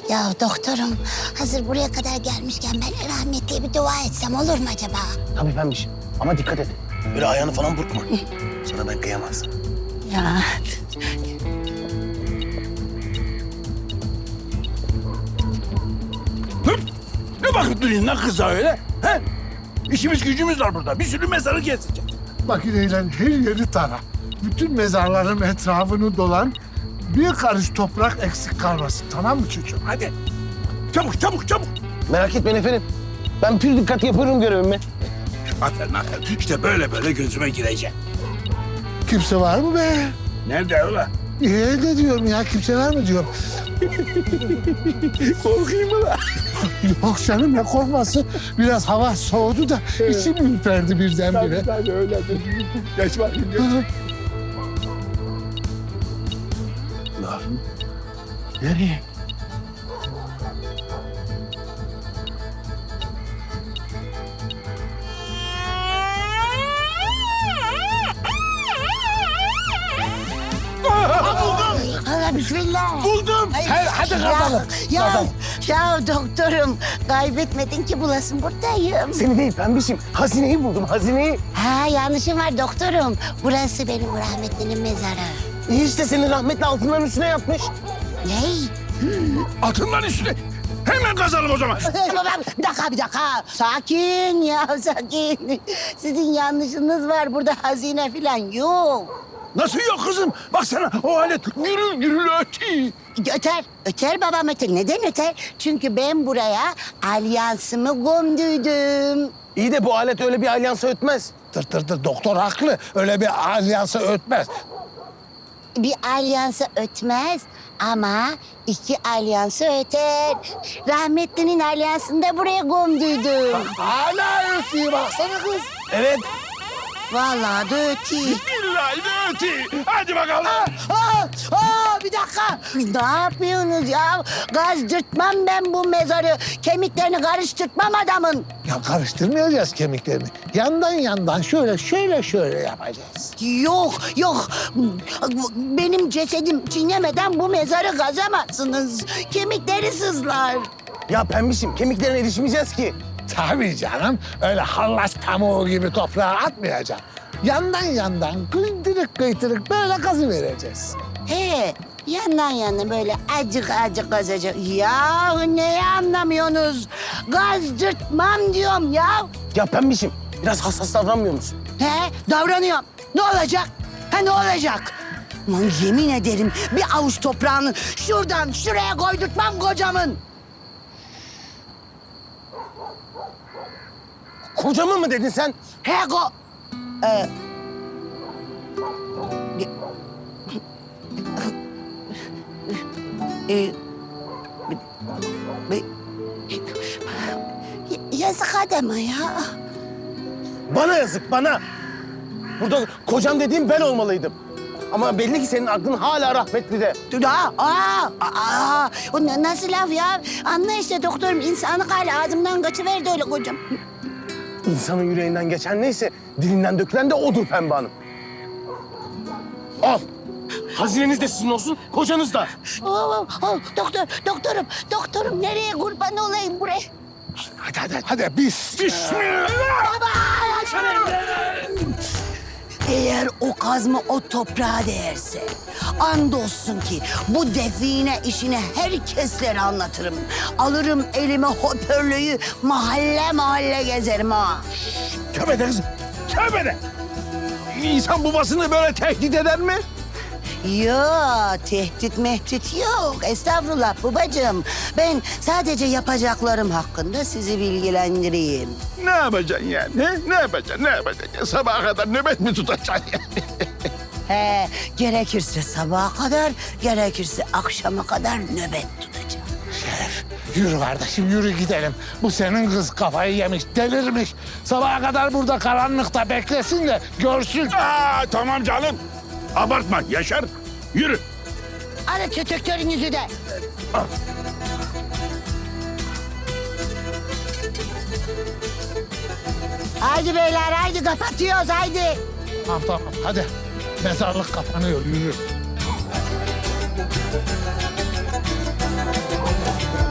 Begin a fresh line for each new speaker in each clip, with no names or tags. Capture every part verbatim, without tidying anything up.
Ya doktorum, hazır buraya kadar gelmişken ben rahmetliye bir dua etsem olur mu acaba?
Tabii pembişim ama dikkat et. Böyle ayağını falan burkma. Sana ben kıyamaz.
Ya
Hıp! Ne bakıp duruyorsun lan kıza öyle? He? İşimiz gücümüz var burada. Bir sürü mezarı gezeceğiz.
Makineyle her yeri tara. Bütün mezarların etrafını dolan. Bir karış toprak eksik kalmasın. Tamam mı çocuğum?
Hadi. Çabuk çabuk çabuk.
Merak etmeyin efendim. Ben pür dikkat yapıyorum görevimi.
Aferin aferin. İşte böyle böyle gözüme girecek.
Kimse var mı be?
Nerede öyle?
Ee, ne diyorum ya? Kimse var mı diyorum.
Korkayım mı lan?
Yok canım ne korkması. Biraz hava soğudu da içim ürperdi birdenbire.
Ben öyledir. Geç bakayım geç. Lan. Nereye?
Allah bismillah.
Buldum.
Ay,
He, hadi kazalım.
Ya, ya,
Kazalım.
ya doktorum, kaybetmedin ki bulasın, buradayım.
Seni değil pembişim. Hazineyi buldum hazineyi.
Ha, yanlışım var doktorum. Burası benim rahmetlinin mezarı.
İyi işte senin rahmetli altınların üstüne yapmış.
Ney?
Atın üstüne. Hemen kazalım o zaman.
Bir dakika, bir dakika. Sakin ya, sakin. Sizin yanlışınız var. Burada hazine falan yok.
Nasıl yok kızım? Baksana o alet gürül gürül ötüyor.
Öter, öter babam öter. Neden öter? Çünkü ben buraya alyansımı gömdüydüm.
İyi de bu alet öyle bir alyansa ötmez.
Tır tır tır doktor haklı. Öyle bir alyansa ötmez.
Bir alyansı ötmez ama iki alyansı öter. Rahmetlinin alyansını da buraya gömdüydüm.
Hala ötüyor baksana kız.
Evet.
Vallahi de ötüyor.
Billahi de ötüyor. Hadi bakalım.
Aa, aa, bir dakika. Ne yapıyorsunuz ya? Gazdırtmam ben bu mezarı. Kemiklerini karıştırtmam adamın.
Ya karıştırmayacağız kemiklerini. Yandan yandan şöyle şöyle şöyle yapacağız.
Yok, yok. Benim cesedim çiğnemeden bu mezarı kazamazsınız. Kemikleri sızlar.
Ya pembişim kemiklerine erişmeyeceğiz ki.
Tabii canım. Öyle hallaç pamuğu gibi toprağa atmayacağım. Yandan yandan kıytırık kıytırık böyle kazı vereceğiz.
He, yandan yana böyle acık acık kazacak. Ya neyi anlamıyorsunuz? Gazdırtmam diyorum ya.
Ya pembişim biraz hassas davranmıyor musun?
He, davranıyorum. Ne olacak? Ha ne olacak? Lan yemin ederim bir avuç toprağını şuradan şuraya koydurtmam kocamın.
Kocamı mı dedin sen?
He ko... Ee, Ee, bir- Yazık adama ya.
Bana yazık bana. Burada kocam dediğim ben olmalıydım. Ama belli ki senin aklın hala rahmetlide.
Aa, aa, aa, o na- nasıl laf ya? Anla işte doktorum, insanlık hali ağzımdan kaçıverdi öyle kocam.
İnsanın yüreğinden geçen neyse dilinden dökülen de odur Pembe Hanım. Al. Hazineniz de sizin olsun, kocanız da.
Oo, oo, doktor, doktorum, doktorum nereye kurban olayım buraya?
Hadi hadi hadi biz.
Bismillah.
Eğer o kazma o toprağa değerse, andolsun ki bu define işini herkeslere anlatırım. Alırım elime hoparlörü, mahalle mahalle gezerim ha.
Tövbe de kızım. Tövbe de. İnsan babasını böyle tehdit eder mi?
Yok, tehdit mehdit yok. Estağfurullah babacığım. Ben sadece yapacaklarım hakkında sizi bilgilendireyim.
Ne yapacaksın yani? He? Ne yapacaksın? Ne yapacaksın? Ya, sabaha kadar nöbet mi tutacaksın yani?
He, gerekirse sabaha kadar, gerekirse akşama kadar nöbet tutacağım.
Şeref yürü kardeşim yürü gidelim. Bu senin kız kafayı yemiş delirmiş. Sabaha kadar burada karanlıkta beklesin de görsün.
Aa, tamam canım. Abartma Yaşar. Yürü.
Hadi tütüktörünüzü de. Haydi beyler, haydi kapatıyoruz, haydi.
Tamam tamam hadi. Mezarlık kapanıyor yürü.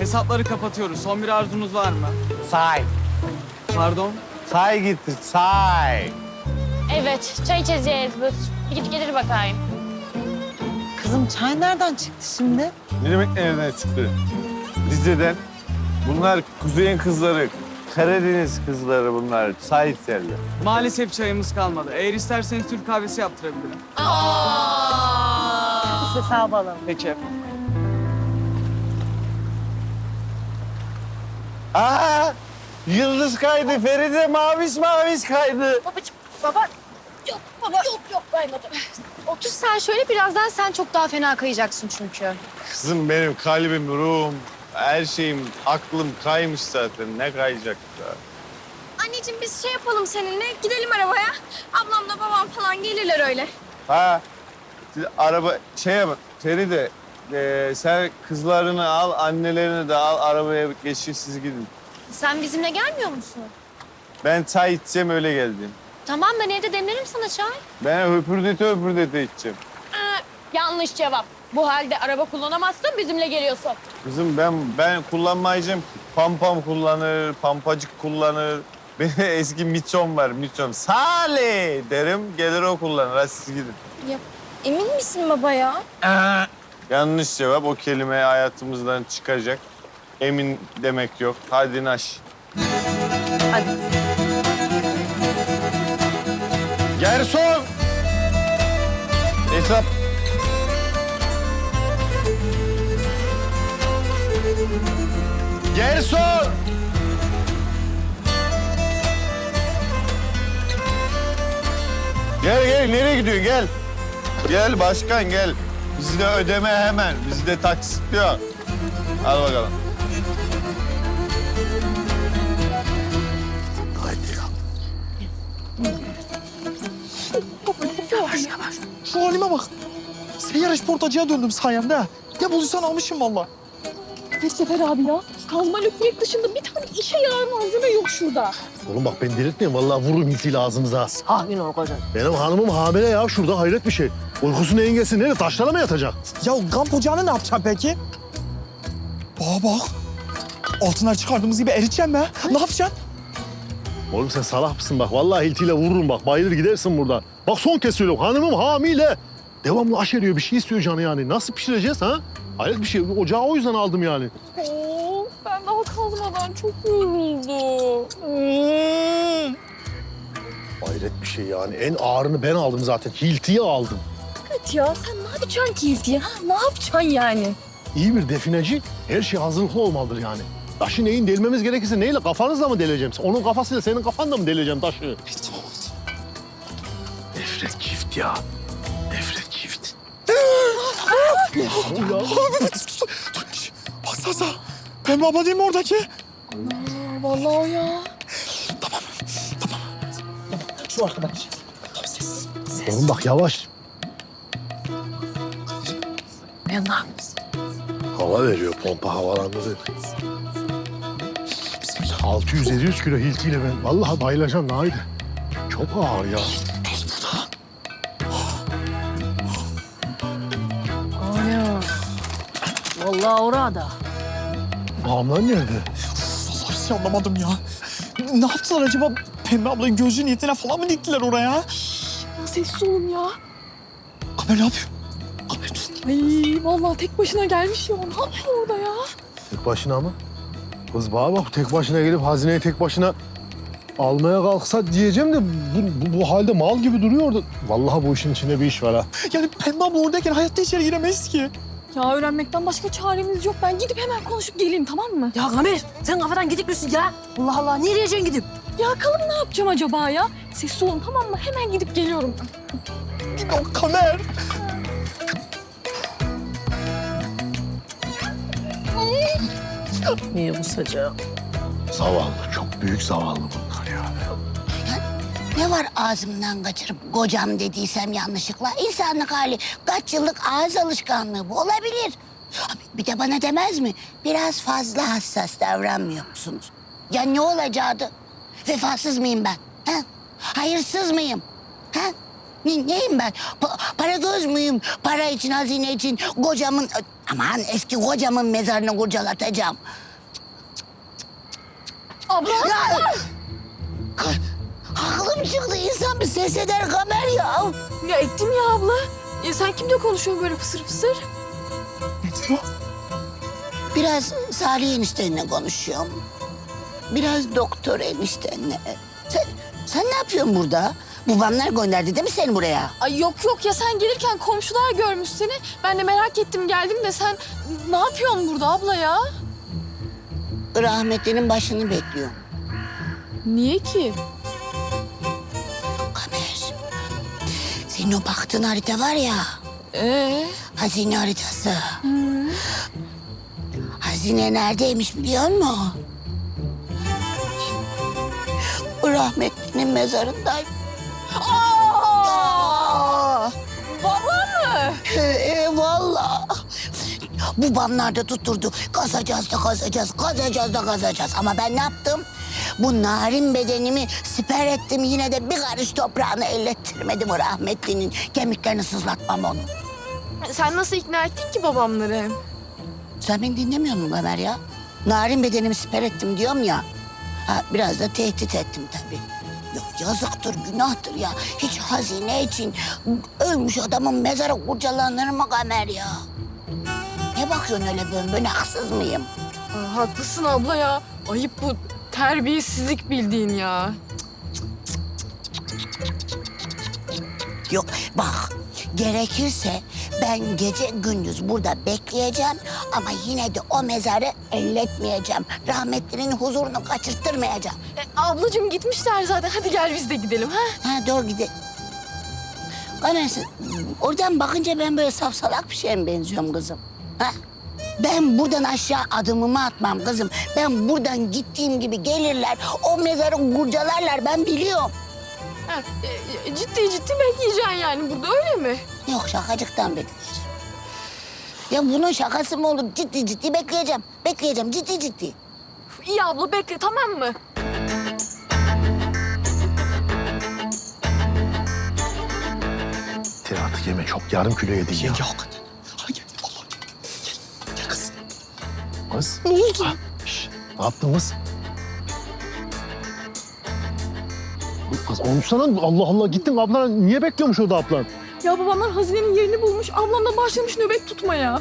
Hesapları kapatıyoruz. Son bir arzunuz var mı?
Say.
Pardon?
Say getir, say.
Evet, çay içeceğiz. Buyur. Bir git gelir bakayım.
Kızım çay nereden çıktı şimdi?
Ne demek nereden çıktı? Rize'den. Bunlar kuzeyin kızları. Karadeniz kızları bunlar. Sait yerler.
Maalesef çayımız kalmadı. Eğer isterseniz Türk kahvesi yaptırabilirim.
Biz hesabı alalım.
Peki efendim.
Aa! Yıldız kaydı. Feride maviş maviş kaydı.
Babacığım, baba. Yok baba. Yok yok kaymadı. Otur sen şöyle, birazdan sen çok daha fena kayacaksın çünkü.
Kızım benim kalbim, ruhum, her şeyim, aklım kaymış zaten. Ne kayacak da?
Anneciğim biz şey yapalım seninle, gidelim arabaya. Ablamla babam falan gelirler öyle.
Ha? Siz araba şey yap. Feride e, sen kızlarını al, annelerini de al. Arabaya geçin siz gidin.
Sen bizimle gelmiyor musun?
Ben çay içeceğim öyle geldim.
Tamam, ben evde demlerim sana çay.
Ben höpürdete höpürdete içeceğim.
Yanlış cevap. Bu halde araba kullanamazsın, bizimle geliyorsun.
Kızım ben ben kullanmayacağım ki. Pampam kullanır, pampacık kullanır. Benim eski miçom var, miçom. Salih derim, gelir o kullanır. Hadi siz gidin.
Ya, emin misin baba ya?
Yanlış cevap. O kelime hayatımızdan çıkacak. Emin demek yok. Hadi naş.
Hadi.
Garson! Hesap. Garson! Gel gel, nereye gidiyorsun? Gel. Gel başkan gel. Bizde ödeme hemen. Bizde taksit yok. Al bakalım.
Şu halime bak. Seyyar işportacıya döndüm sayemde. ha. Ne bulduysan almışım valla.
Ne Sefer abi ya? Kazma lüflek dışında bir tane işe yarar malzeme yok şurada.
Oğlum bak ben delirtmeyeyim. Vallahi vururum hiltiyle ağzımıza.
Sakin ol kocan.
Benim hanımım hamile ya. Şurada hayret bir şey. Uykusunu engelsin. Nereye? Taşlara mı yatacak?
Ya kamp ocağını ne yapacağım peki? Aa bak. Altınlar çıkardığımız gibi eriteceğim be. Ne yapacaksın?
Oğlum sen salak mısın bak? Vallahi hiltiyle vururum bak. Bayılır gidersin burada. Bak son kez söylüyorum. Hanımım hamile. Devamlı aş eriyor. Bir şey istiyor canı yani. Nasıl pişireceğiz ha? Hayret bir şey. Ocağı o yüzden aldım yani.
Oo, ben daha kazmadan çok yoruldum.
Hmm.
Hayret bir şey yani. En ağırını ben aldım zaten. Hiltiyi aldım.
Evet ya, sen ne yapacaksın ki ha? Ne yapacaksın yani?
İyi bir defineci her şey hazırlıklı olmalıdır yani. Taşı neyin delmemiz gerekirse neyle? Kafanızla mı deleceğim? Onun kafasıyla senin kafanla mı deleceğim taşı? Nefret çift ya. Nefret çift. ya.
Bak Sasa. Pembe abla değil mi oradaki?
Aa, vallahi o ya.
Şu arkadaş.
Oğlum bak yavaş.
Yanlar.
Hava veriyor, pompa havalandırıyor.
Bismillah.
altı yüz yedi yüz kilo hiltiyle ben vallahi bayılacağım Nahide. Çok ağır ya.
Ana. Vallahi orada.
Bağımlar nerede?
Vallahi hiç anlamadım ya. Ne yaptılar acaba? Pembe ablayı gözü niyetine falan mı diktiler oraya?
Ya sessiz olun ya.
Kamer ne yapıyor? Kamer dur.
Ay vallahi tek başına gelmiş ya. Ne yapıyor orada ya?
Tek başına mı? Kız bana bak tek başına gelip hazineyi tek başına almaya kalksa diyeceğim de bu, bu, bu halde mal gibi duruyor orada. Vallahi bu işin içinde bir iş var ha.
Yani Pembe abla oradayken hayatta içeri giremeyiz ki.
Ya öğrenmekten başka çaremiz yok. Ben gidip hemen konuşup geleyim, tamam mı?
Ya Kamer sen kafadan gidik misin ya? Allah Allah nereye diyeceksin gidip?
Ya kalım ne yapacağım acaba ya? Sessiz olun, tamam mı? Hemen gidip geliyorum.
Yok Kamer.
Niye bu sacağı?
Zavallı, çok büyük zavallı bunlar ya.
Ne var ağzımdan kaçırıp kocam dediysem yanlışlıkla? İnsanlık hali. Kaç yıllık ağız alışkanlığı bu olabilir. Bir de bana demez mi? Biraz fazla hassas davranmıyor musunuz? Ya ne olacaktı? Vefasız mıyım ben? Ha? Hayırsız mıyım? Ha? Ne, neyim ben? Pa para göz müyüm? Para için, hazine için kocamın... Aman eski kocamın mezarını kurcalatacağım.
Abla.
Ya! Ka- Aklım çıktı. İnsan bir ses eder Kamer ya.
Ya ettim ya abla. Ya sen kimle konuşuyorsun böyle fısır fısır?
Ne diyor?
Biraz Salih eniştenle konuşuyorum. Biraz doktor eniştenle. Sen, sen ne yapıyorsun burada? Babamlar gönderdi değil mi seni buraya?
Ay yok yok ya sen gelirken komşular görmüş seni. Ben de merak ettim geldim de sen ne yapıyorsun burada abla ya?
Rahmetlinin başını bekliyorum.
Niye ki?
Kamer, senin o baktığın harita var ya,
Ee?
hazine haritası. Hazine neredeymiş biliyor musun? O rahmetlinin mezarındayım.
Aa! Baba mı?
Ee, e, vallahi. Babamlar da tutturdu. Kazacağız da kazacağız, kazacağız da kazacağız. Ama ben ne yaptım? Bu narin bedenimi siper ettim. Yine de bir karış toprağını ellettirmedim o rahmetlinin. Kemiklerini sızlatmam onu.
Sen nasıl ikna ettin ki babamları?
Sen beni dinlemiyor musun Ömer ya? Narin bedenimi siper ettim diyorum ya. Ha, biraz da tehdit ettim tabii. Yok yazıktır, günahtır ya. Hiç hazine için ölmüş adamın mezarı kurcalanır mı Ömer ya? Ne bakıyorsun öyle bön bön, haksız mıyım?
Aa, haklısın abla ya. Ayıp bu terbiyesizlik bildiğin ya.
Yok bak, gerekirse ben gece gündüz burada bekleyeceğim ama yine de o mezarı elletmeyeceğim. Rahmetlinin huzurunu kaçırttırmayacağım.
E, ablacığım gitmişler zaten. Hadi gel biz de gidelim ha.
Ha doğru gidelim. Kamersin, oradan bakınca ben böyle safsalak bir şeye mi benziyorum kızım? Ha? Ben buradan aşağı adımımı atmam kızım. Ben buradan gittiğim gibi gelirler, o mezarı kurcalarlar, ben biliyorum.
ha e, ciddi ciddi bekleyeceksin yani burada öyle mi?
Yok, şakacıktan bekleyeceğim. Ya bunun şakası mı olur? Ciddi ciddi bekleyeceğim. Bekleyeceğim, ciddi ciddi.
Üf, İyi abla bekle tamam mı?
Sen artık yeme çok yarım kilo yedin ya.
Yenge hakikaten. Ha gel vallahi. Gel, gel kız.
Kız.
Ne oldu?
Ha, şş, ne yaptın kız? Kız konuşsana. Allah Allah gittin ablan. Niye bekliyormuş orada ablan?
Ya babamlar hazinenin yerini bulmuş. Ablam da başlamış nöbet tutmaya.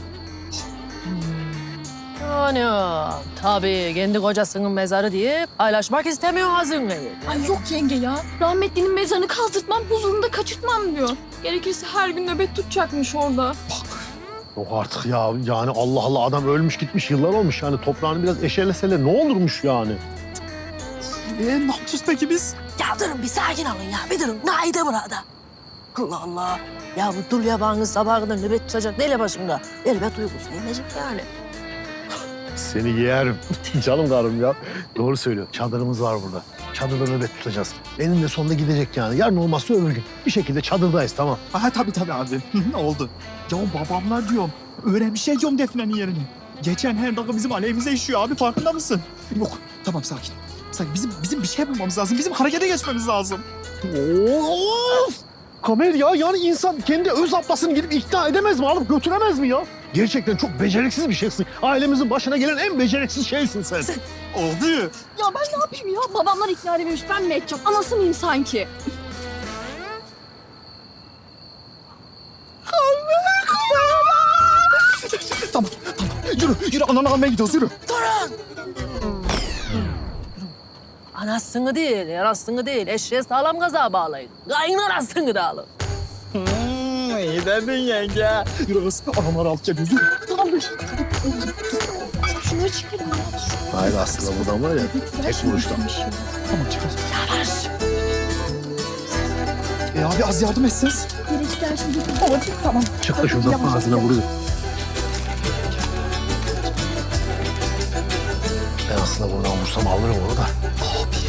Yani tabii kendi kocasının mezarı diye paylaşmak istemiyor hazineyi.
Ay yok yenge ya. Rahmetlinin mezarını kazdırtmam, huzurunu da kaçırtmam diyor. Gerekirse her gün nöbet tutacakmış orada.
Yok artık ya. Yani Allah Allah adam ölmüş gitmiş yıllar olmuş. Yani toprağını biraz eşeleseler ne olurmuş yani?
Ee, ne yapacağız peki biz?
Ya durun bir sakin olun ya. Bir durun. Naide burada. Allah Allah. Ya bu dul yabanı sabaha kadar nöbet tutacak neyle başında? Elbet uykusu yemeyecek yani.
Seni yerim. Canım karım ya. Doğru söylüyor. Çadırımız var burada. Çadırda nöbet tutacağız. Eninde sonunda gidecek yani. Yarın olmazsa öbür gün. Bir şekilde çadırdayız tamam.
Ha tabii tabii abi. Oldu. Ya babamlar diyorum. Öğrenmişler diyorum Defne'nin yerini. Geçen her dakika bizim aleyhimize işiyor abi, farkında mısın? Yok tamam sakin. Sakin. Bizim, bizim bir şey bulmamız lazım. Bizim harekete geçmemiz lazım.
Of! Kamer ya yani insan kendi öz ablasını gidip ikna edemez mi? Alıp götüremez mi ya? Gerçekten çok beceriksiz bir şeysin. Ailemizin başına gelen en beceriksiz şeysin sen.
Oldu.
Ya ben ne yapayım ya? Babamlar ikna edememiş. Ben ne edeceğim? Anası mıyım sanki?
Tamam tamam. Yürü yürü ananı almaya gidiyoruz yürü.
Anasını değil, yarasını değil. Eşeğe sağlam gaza bağlayın. Kayın anasını da alın.
Hmm, iyi dedin yenge. Yürü kız anamları alıp geliyoruz yürü.
Şunları çıkarın ya.
Hayır aslında buradan var ya tek vuruşlanmış.
Tamam çıkar. Yavaş. E abi az yardım etseniz. Tamam.
Çık da şuradan ağzına vuruyor. Ben aslında buradan vursam alırım onu da.
Abi